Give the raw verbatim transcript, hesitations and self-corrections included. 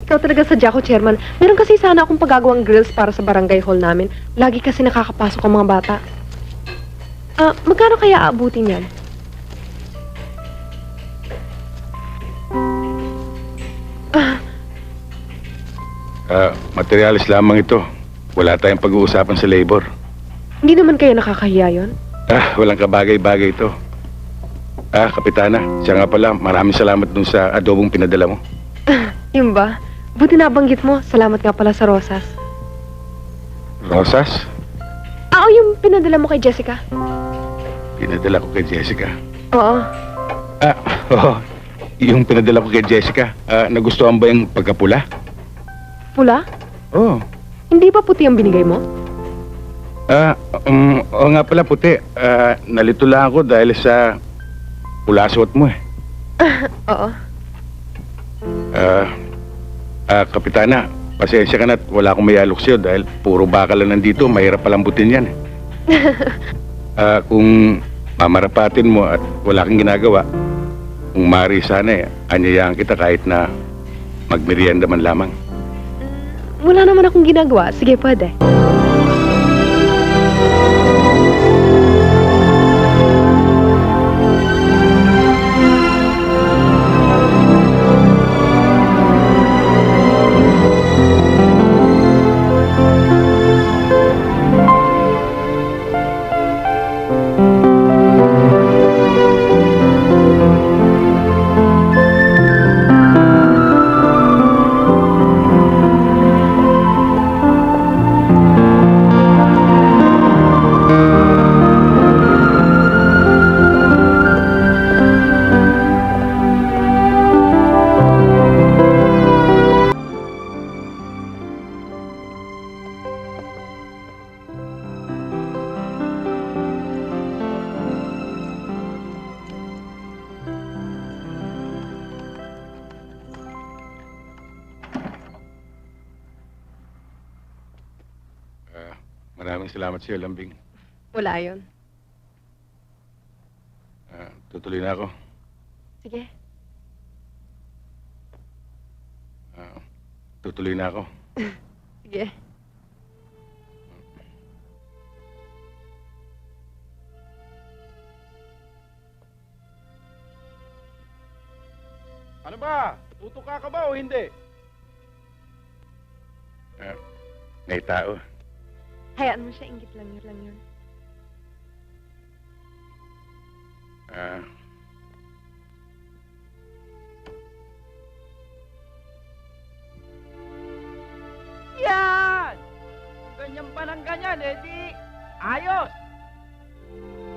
Ikaw talaga sa Jaco, Chairman. Meron kasi sana akong paggagawang grills para sa barangay hall namin. Lagi kasi nakakapasok ang mga bata. Ah, magkano kaya aabutin yan? Ah, materialis lamang ito. Wala tayong pag-uusapan sa labor. Hindi naman kayo nakakahiya yon? Ah, walang kabagay-bagay ito. Ah, Kapitana, siya nga pala, maraming salamat dun sa adobong pinadala mo. Yun ba? Buti nabanggit mo. Salamat nga pala sa rosas. Rosas? Ah, o yung pinadala mo kay Jessica? Pinadala ko kay Jessica. Oo. Ah, oo. Yung pinadala ko kay Jessica, ah, nagustuhan ba yung pagkapula? Pula? Oo. Hindi ba puti ang binigay mo? Ah, um, oo nga pala puti. Ah, nalito lang ako dahil sa pula suot mo eh. Oo. Ah, ah, Kapitana, pasensya ka na at wala akong mayalok sa'yo dahil puro bakal lang nandito, mahirap palambutin yan eh. Ah, kung mamarapatin mo at wala kang ginagawa, kung maaari sana eh, anyayahan kita kahit na magmerienda man lamang. Wala naman akong ginagawa. Sige, pwede. Ah, maraming salamat sa'yo, Lambing. Wala yun. Ah, tutuloy na ako. Sige. Ah, tutuloy na ako. Sige. Ano ba? Tutuka ka ba o hindi? Ah, may tao. Hayaan mo siya. Ingit lang yun lang yun. Ah, Yan! Kung ganyan pa ng ganyan, eh di ayos!